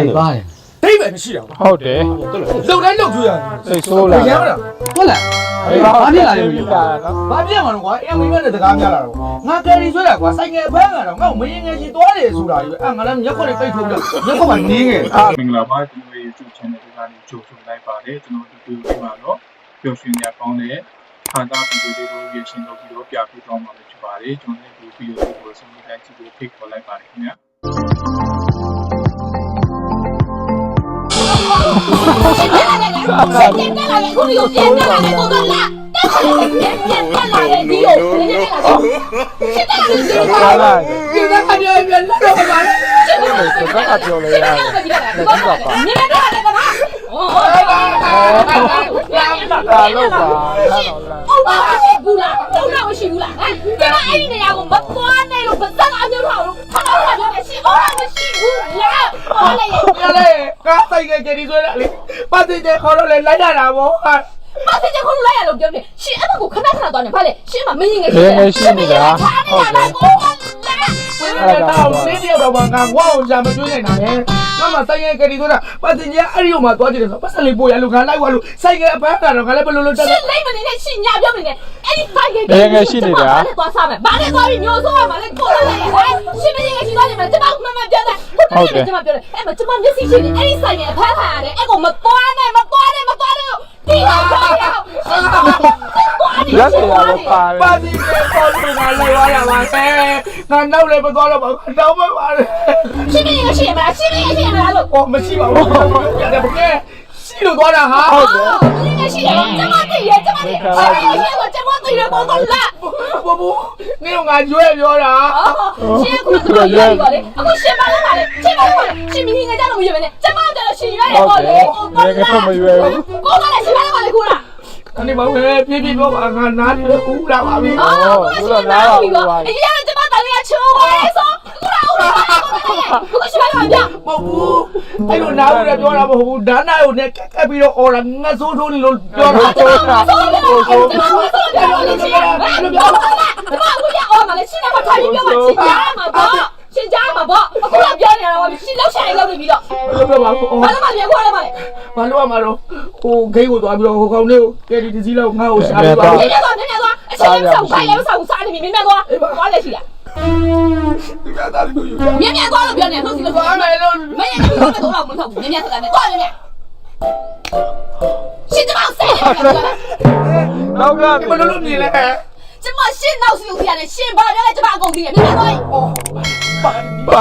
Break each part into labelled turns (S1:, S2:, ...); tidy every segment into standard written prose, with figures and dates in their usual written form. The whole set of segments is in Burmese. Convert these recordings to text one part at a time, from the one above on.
S1: ပါတယ်ဒိတ်ပဲမရှိတော့
S2: ဟုတ်တယ်
S1: လုံတိုင်းလုံကျွေးရတယ်
S2: စိတ်ဆိုးလာ
S1: ရမ်းမလား
S3: ဟုတ်လားဘာဖြစ်လာလဲမသိဘူး
S1: ဘာပြမှာလဲကွာအမိမနဲ့တကားများလာတော့ငါကယ်ရီဆွဲတာကွာဆိုင်ငယ်ဖမ်းတာတော့ငါ့ကိုမရင်ငယ်ရှိသွားတယ်ဆိုတာကြီးပဲငါလည်းမျက်ခွက်နဲ့ပိတ်ထုတ်ပြီးမျက်ခွက်မှာနင်းငယ်
S4: မင်္ဂလာပါကျွန်တော် YouTube channel ကနေကြိုဆိုလိုက်ပါတယ်ကျွန်တော်ဒီဗီဒီယိုမှာတော့ပျော်ရွှင်ရကောင်းတဲ့ခန္ဓာကိုယ်တွေကိုရရှင်းလုပ်ပြီးတော့ပြပြသွားမှာဖြစ်ပါတယ်ကျွန်တော်ဒီဗီဒီယိုကိုဆုံးဖြတ်ကြည့်ဖို့ဖိတ်ခေါ်လိုက်ပါတယ်ခင်ဗျာ
S5: 现在来，我有现在来，我都来。现在来，你有现在来，
S1: 现在看见人了都完了。
S2: 现在ပြောလို့ရတယ်
S5: 你们这来干嘛？
S2: ဒါလို့ပါ
S5: 我辛苦了，都让我辛苦了。哎，这个哎的呀，我们关那种本身俺就好了，他老感觉辛苦，我们辛苦了。好嘞，
S1: 好嘞，刚才给你说了，把这些好了来来来不？
S5: 把这些好了来了，对不对？是俺们我看到多少，怕嘞，是嘛没应该是，
S2: 是你的啊。
S1: အဲ့ဒါတော့လေးတယောက်တော့ငါဝအောင်ရှာမတွေးနိုင်တာလေငါမှဆိုင်ငယ်ကလေးဆိုတာပတ်စင်ကြီးအဲ့ဒီမှာသွားကြည့်တယ်ဆိုပတ်စံလေးပို့ရလို့ငါလိုက်သွားလို့ဆိုင်ငယ်အပန်းကတော့ငါလည်းဘယ်လိုလုပ်တက်လဲ
S5: ရှင်းလိုက်မနေနဲ့ရှင်းညပြောမနေနဲ့အဲ့ဒီဆိုင်ငယ်
S2: ရှိနေတာ
S5: ဘာလဲသွားစားမယ်ဘာလဲသွားပြီးမျိုးဆိုးရမှာလဲကိုယ်လည်းရှင်းမနေနဲ့ရှင်းသွားနေမှာကျမမမပြောတယ်ဟုတ်တယ်ကျမပြောတယ်အဲ့မကျမမျက်စိရှင်းနေအဲ့ဒီဆိုင်ငယ်အပန်းခံရတယ်အဲ့ကိုမသွားနဲ့မသွားနဲ့ဒီဟာပြောရအောင်
S2: လက်စရာတော့ပါ
S1: ပါတီနဲ့ပေါ်လို့ငါလိုက်သွားရပါမယ်ငါနောက်လည်းမသွားတော့ပါဘူးတောင်းမပါနဲ့
S5: ရှင်းမနေနဲ့ရှင်းမလားရှင်းမနေရှင်းမလားလို့
S1: 哦မရှိပါဘူးရတယ်ဘယ်ရှိလို့သွားတာဟာ
S5: ဟုတ်တယ်ရှင်းနေရှိတယ်ကျမသိရကျမသိရှင်းတော့ကျမသိရပေါ်တော့လာ
S1: ဘူးနင်ကငါကြွဲပြောတာ
S5: ရှင်းခုတော့ရွေးပါလေအခုရှင်းပါလားလေရှင်းပါလားရှင်းမင်းငါကြတော့မရွေးပဲနဲ့ကျမကြတော့ရှင်းရွေးရပေါ့လေ
S2: ကိုမရွေးဘူး
S5: ကိုကလည်းရှင်းပါလားလေခုလား
S1: အဲ့ဒီမှာပဲပြပြပြောပါငါနားနေဦးလာပါပြီ
S5: ဦးလာလာပါဘူးအရင်ကကျမတလေးကချိုးပါလေဆိုခုလားဦးလာပါဘူးကိုရှင်းပါလားဗျ
S1: မဟုတ်ဘူးအဲ့လိုနားဦးလည်းပြောတာမဟုတ်ဘူးဒါနာကိုနဲ့ကက်ပြီးတော့အော်လာငါဆိုးထိုးနေလို့ပြောတာ
S5: ဆိုးတာဆိုးတာပြောလို့ရှိရင်ဘာလို့ပြောလဲဘာလို့ရအောင်မလဲရှင်းတော့ထိုင်ပြီးပြောမှရှင်းကြမှာပေါ့ရှင်းကြမှာပေါ့အခုကပြောနေတာတော့ရှင်းလောက်ဆိုင်လောက်နေပြီးတော့
S1: ဘာလို့ပါဘူး
S5: ဘာလို့မပြောခွာလဲမလဲ
S1: ဘာလို့မှတော့ဟိုဂိတ်ကိုသွားပြီးတော့ဟိုကောင်လေးကိုကဲဒီစီလောက်ငါ့ကိုရှာပြီးပါ
S5: မြင်သွားအချင်းဆောင်ခိုင်းလည်းဆောင်စားနေပြီမြင်သွားသွားလည်းရှိလား
S1: ဒီကသားလူယူ
S5: မြင်သွားလို့ပြောနေလို့စီလို့
S1: သွားမယ်လို့
S5: မင်းလည်းတော့တော့မထုတ်ဘူးမြင်ဆိုတာနဲ့သွားမြင်ရှင်းကြအောင်ဆက်
S2: နောက်က
S1: ဘယ်လိုလုပ်နေလဲ
S5: ကျမရှင်းနောက်စီကိုပြရတယ်ရှင်းပါရတယ်ကျမအကုန်သိတယ်မြင်သွားပြီ
S2: ပါ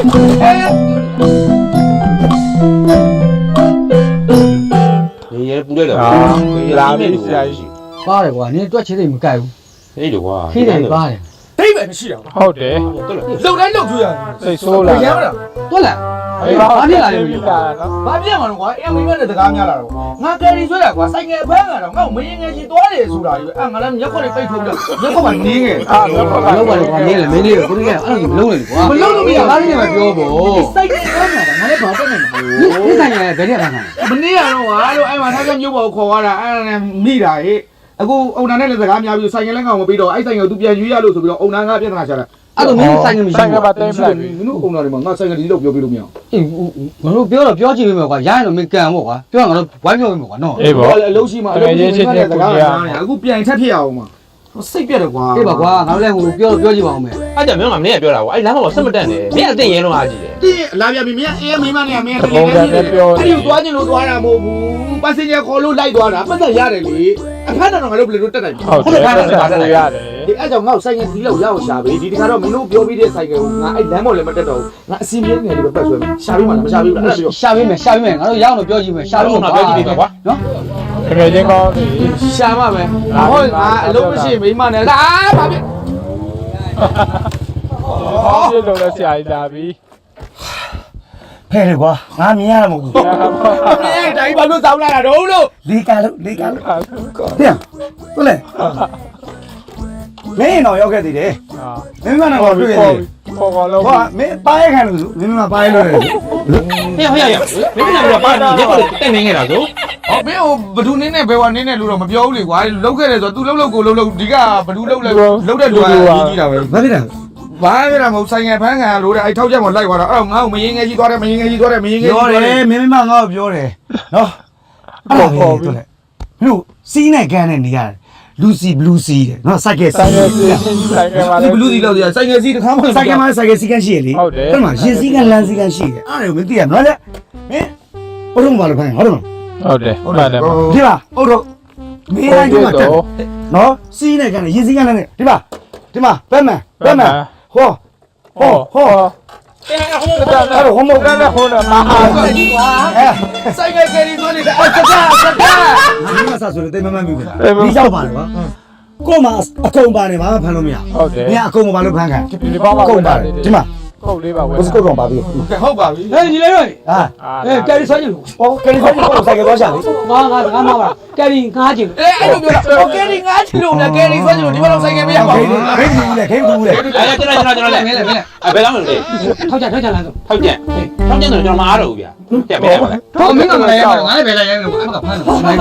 S6: 你也不对了，
S2: 拉面下去。
S3: ပါတယ်ကွာနင်တွက်ချစ်တယ်မကြိုက်ဘူး
S6: 那的话，
S3: ခိတယ်ပါတယ်
S1: ဒိတ်ပဲမရှိတော့
S2: ဟုတ်တယ်
S6: 对了，
S1: လုံတိုင်းလုံကျွေးရတယ်
S2: စိတ်ဆိုးလာ
S1: ရမ်းမလား
S3: ဟုတ်လားဘာဖြစ်လာလဲမသိဘူး
S1: ဘာပြမှာလဲကွာအမိမနဲ့တကားများလာတော့ငါကယ်ရီဆွဲတာကွာဆိုင်ငယ်ဖမ်းတာတော့ငါ့ကိုမရင်ငယ်ရှိသွားတယ်ဆိုတာကြီးပဲငါလည်းမျက်ခွက်နဲ့ပိတ်ထုတ်ပြီးမျက်ခွက်မှာနင်းငယ်
S3: လောက်ပါလေကွာနင်းလေမင်းလေးကိုကိုကြီးကအဲ့လိုမလုံးနဲ့ကွာ
S1: မလုံးလို့မရ
S3: ဘာလို့လဲမပြောဖို့
S1: ဆိုင်ငယ်ဖမ်းတာငါလည်းဘာတက်နေမှာ
S3: ဒီဆိုင်ငယ်ဘယ်ရက်ဖမ်းတာ
S1: မနေ့ကတော့ဟာလို့အဲ့မှာထားကမျိုးပေါ်ခေါ်သွားတာအဲ့ဒါနဲ့မိတာဟေ့အခုအုံနာနဲ့လည်းစကားများပြီးဆိုင်ငယ်လည်းကောင်မပြီးတော့အဲ့ဆိုင်ငယ်ကိုသူပြန်ရွေးရလို့ဆိုပြီးတော့အုံနာကပြဿနာချတာ
S3: အဲ့လိုမျိုးဆိုင်ငယ်မရှိ
S2: ဘူးဘာတိုင်းမလား
S1: မင်းတို့အုံနာတွေမှာငါဆိုင်ငယ်ဒီလောက်ပြောပြလို့မရအောင်
S3: အေးငါတို့ပြောတော့ပြောကြည့်ပေးမယ်ကွာရရင်တော့မင်းကန်ပေါ့ကွာပြောရင်ငါတို့ဝိုင်းပြောပေးမယ်ကွာနော်
S2: အေးပေါ့
S1: အလုံးရှိမှအလုံးရှိမှစကားများအခုပြန်ထက်ဖြစ်ရအောင်မှာစိတ်ပြတ်တယ်ကွာ
S3: အေးပါကွာငါတို့လည်းဟိုပြောတော့ပြောကြည့်ပါအောင်မယ်
S6: အဲ့ကြမင်းကမင်းကပြောတာကွာအဲ့လမ်းမှာဆက်မတက်နဲ့မင်းအသိရင်လုံးအားကြီးတယ်
S1: တင်းလာပြပြီမင်းအေးမိမနဲ့မင်းတကယ်လည်းအဲ့ဒီသွားခြင်းလို့သွားတာမဟုတ်ဘူးပတ်စင်ဂျာခေါ်လို့လိုက်သွားတာပတ်သက်ရတယ်လေအခန်းတော်ငါတို့ဘယ်လိုတက်နိုင်
S2: ဟုတ်တယ်ပတ်သက်ရတယ်
S1: ဒီအဲ့ကြောင့်ငါ့ဆိုင်ငယ်ဒီလောက်ရအောင်ရှာပေးဒီတခါတော့မင်းတို့ပြောပြီးတဲ့ဆိုင်ငယ်ကိုငါအဲ့လမ်းပေါ်လည်းမတက်တော့ဘူးငါအစီအမင်းငယ်လေးပဲပတ်ဆွဲမယ်ရှာပေးမှလားမရှာပေးဘူးလားအဲ့ဒါပြော
S3: ရှာပေးမယ်ငါတို့ရအောင်တော့ပြောကြည့်မယ်ရှာလို့
S6: ပြောကြည့်ပြီကွာ
S3: နော်
S2: တကယ်ချင်းကောင်း
S1: ရှာမှမယ်ဟုတ်ငါအလုံးမရှိမိမနဲ့လာဘာဖြစ်
S2: ပြလို့လည်းဆရာကြီးလာပြီ
S1: ဖဲတယ်ကွာငါမြင်ရမှာမဟုတ်ဘူးမြင်ရတိုင်းဘာလို့စောင်းလာတာတော့လို့လေးကလို့ပြန်ဟုတ်လေမင်းတော့ရောက်ခဲ့သေးတယ်မင်းကတော့တွေ့ရတယ်
S2: ပေါ်ကောလုံး
S1: ဟောမင်းပါးရခံလို့မင်းကပါးရလို့
S6: ဟေ့မင်းကပါနေတယ်တက်နေနေတာဆို
S1: ဟောမင်းဟိုဘဒူနင်းနဲ့ဘယ်ဝါနင်းနဲ့လို့တော့မပြောဘူးလေကွာလောက်ခဲ့တယ်ဆိုတော့ तू လှုပ်ကိုလှုပ်ဒီကဘဒူလှုပ်လဲလှုပ်တဲ့လူကကြီးတာပဲ
S3: ဘာဖြစ်လဲ
S1: ဘာဖြစ်တာမဟုတ်ဆိုင်ငယ်ဖန်းခံလို့တဲ့အဲ့ထောက်ချက်မလိုက်သွားတော့အဲ့ငါ့ကိုမရင်ငယ်ကြီးသွားတယ်မရင်ငယ်ကြီးသွားတယ်မရင်ငယ်ကြီးပြောတယ်မင်းမငါ့ကိုပြောတယ်နော်အဲ့ဒါပဲတို့လေလို့စီးနဲ့ကန်နဲ့နေရတယ်လူစီဘလူးစီတဲ့နော်စိုက်ကဲစီဘလူးစီလောက်စိုက်ကဲစီတခါမှစိုက်ကဲမှာစိုက်ကဲစီကန်ရှိရလေအဲ့မှာရင်စီကန်လမ်းစီကန်ရှိတယ်အဲ့ဒါကိုမသိရနော်လေမင်းဘုံဘာလို့ခိုင်းဟုတ်တယ်
S2: ဟုတ်တယ်ဟုတ်တယ်
S1: ဒီပါဟုတ်တော့မင်းတိုင်းကတက်နော်စီးနဲ့ကန်နဲ့ရင်စီကန်နဲ့ဒီမှာဘက်မန်ဟောအဲ့တော့ဟိုမဟုတ်ကလည်းဟိုတော့မဟာကြီးကွာဆိုင်ကယ်ကယ်ရီသွင်းနေတယ်အော်စကားဒီမှာဆက်ဆိုလို့တိတ်မမှန်ဘူးဗျာဒီရောက်ပါလေကွာကို့မှာအကုန်ပါတယ်ဘာမှဖမ်းလို့မရ
S2: ဟုတ်တယ်
S1: မင်းအကုန်မပါလို့ဖမ်းခံ
S2: ဒီဘောမှာ
S1: ကုန်ပါတယ်ဒီမှာ
S2: ကုတ်လေးပါဝယ်
S1: ဘုစကုတ်ကောင်ပါပြီဟုတ်ပါပြီ
S3: ဟဲ့ညီလေးတို့
S1: ဟာ
S3: ကယ်ရီဆွဲကြည့်လို့
S1: ဟောကယ်ရီဆိုင်ကိုဆိုင်ကယ်သွားရှာလေ
S3: ငါမပါကယ်ရီငါးကြည့်
S1: အဲ့လိုပြောတာဟောကယ်ရီငါးချီလို့ဗျာကယ်ရီဆွဲချီလို့ဒီမှာတော့ဆိုင်ကယ်မရပါဘူးခိတ်ဘူးလေ
S6: အဲ့ကျွန်တော်လဲဘယ်လောက်လဲ
S3: ထောက်ကြလမ်းဆို
S6: ထောက်ကျန်တော့ကျွန်တော်မအားတော့ဘူးဗျာတက်ပဲပါလဲ
S3: ဟောမင်းကမလဲငါလည်းပဲလိုက်ရိုင်းမယ်အမကဖမ်းတယ်
S2: အာ
S1: ဖမ်း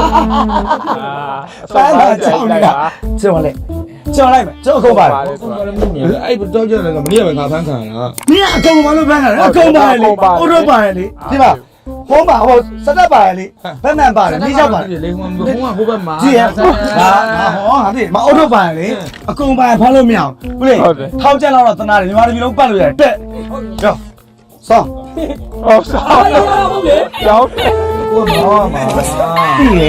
S1: တာချောင်းနေတာကျော်လိုက်ကျော်အကုန်ပါတယ်
S7: အဲ့တော့ကျတော့မနေ့ကငါဖမ်းခံရတာ
S1: မင်းအကုန်မလို့ဖမ်းတာအကုန်ပါတယ်လေဟိုတော့ပါတယ်လေဒီမှာဟိုမှာဟိုစက်တက်ပါတယ်လေဘက်မှန်ပါတယ်မိရောက်ပါတယ်
S7: လေဟိုဟိုဘက်မှာ
S1: ကြည့်ရဟာဟောဟာဒီမအော်တော့ပါတယ်လေအကုန်ပါတယ်ဖမ်းလို့မရဘူးဟုတ်လေထောက်ချက်လောက်တော့တနာတယ်မြန်မာပြည်လုံးပတ်လို့ရတယ်တက်ကြောက်ဆောင်း
S2: ဟုတ်စားကျောင်း
S1: ကိုမောမှာပြီလေ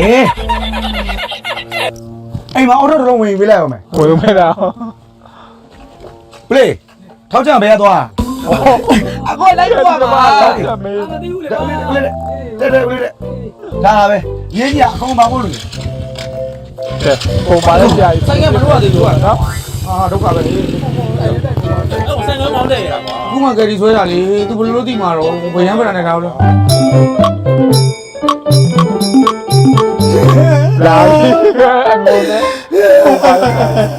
S1: အိမ်မှာအော်တော့ဝင်ပေးလိုက်အောင်မယ်
S2: ဝယ်မဲ့တာ
S1: ဘလေထောက်ချက်ဘယ်သွားအခုလိုက်တော့ပါမ
S2: မေး
S1: သိဘူးလေတဲ့ဒါပဲရင်းကြီးအကုန်ပါဖို့လို့
S2: တယ်ပုံပါလဲကြာပြီ
S7: ဆိုင်ကမလို့ရသေးဘူးကွာ
S2: နော်
S1: ဟာဒုက္ခပဲလေ
S7: ဆိုင်ကမောင်းတဲ့ရတာကွာခုမှကယ်ရီဆွဲတာလေသူဘယ်လိုသိမှာတော့ဘယ်ရမ်းပရနေတာလို့
S2: လာပြီအငုံနဲ့ပုံပါလဲ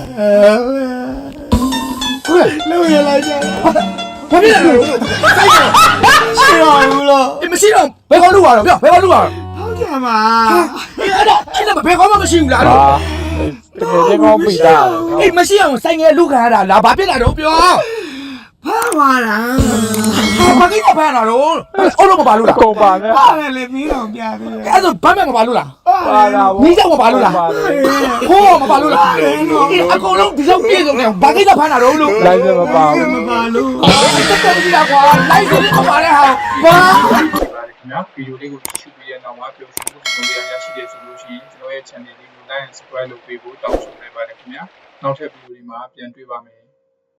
S1: လို့ရလိုက်ကြဘာဖြစ်လဲလို့ဆိုင်ကရှိတော့ဘူးလို့မရှိတော့ဘယ်ကောလူပါတော့ပြောဘယ်ကောလူပါဟုတ်ကြမှာအဲ့ဒါဘယ်ကောမှမရှိဘူးလား
S2: ဟာတကယ်ချင်းကောင်းပြီသား
S1: အေးမရှိအောင်ဆိုင်ငယ်လူခံရတာလားဘာဖြစ်လာတော့ပြောဖမ်းပါလားဘာကိစ္စဖမ်းလာတော့အော်လို့မပါလို့လား
S2: ကုန်ပါနဲ့
S1: ပါတယ်လေပြီးတော့ပြသေးတယ်အဲ့ဒါဘာမှမပါလို့လား
S2: ပါလာ
S1: မိကြောက်မပါလို့လားဟိုးမပါလို့လားအကုန်လုံးဒီလောက်ပြည့်စုံနေဘာကိစ္စဖမ်းလာတော့လို့
S2: လိုက်စမပါဘူး
S1: မပါလို့တက်တက်ကြည့်တာကွာလိုက်စလေးမပါတဲ့ဟာဘာ
S4: ပါတယ်ခင်ဗျာဗီဒီယိုလေးကိုကြည့်ပြီးတဲ့နောက်မှာပျော်ရွှင်မှုပုံစံရရှိတဲ့ဆိုလို့ရှိရင်ကျွန်တော်ရဲ့ channel လေးကို like and subscribe လုပ်ပေးဖို့တောင်းဆိုလိုက်ပါတယ်ခင်ဗျာနောက်ထပ်ဗီဒီယိုတွေမှာပြန်တွေ့ပါမယ်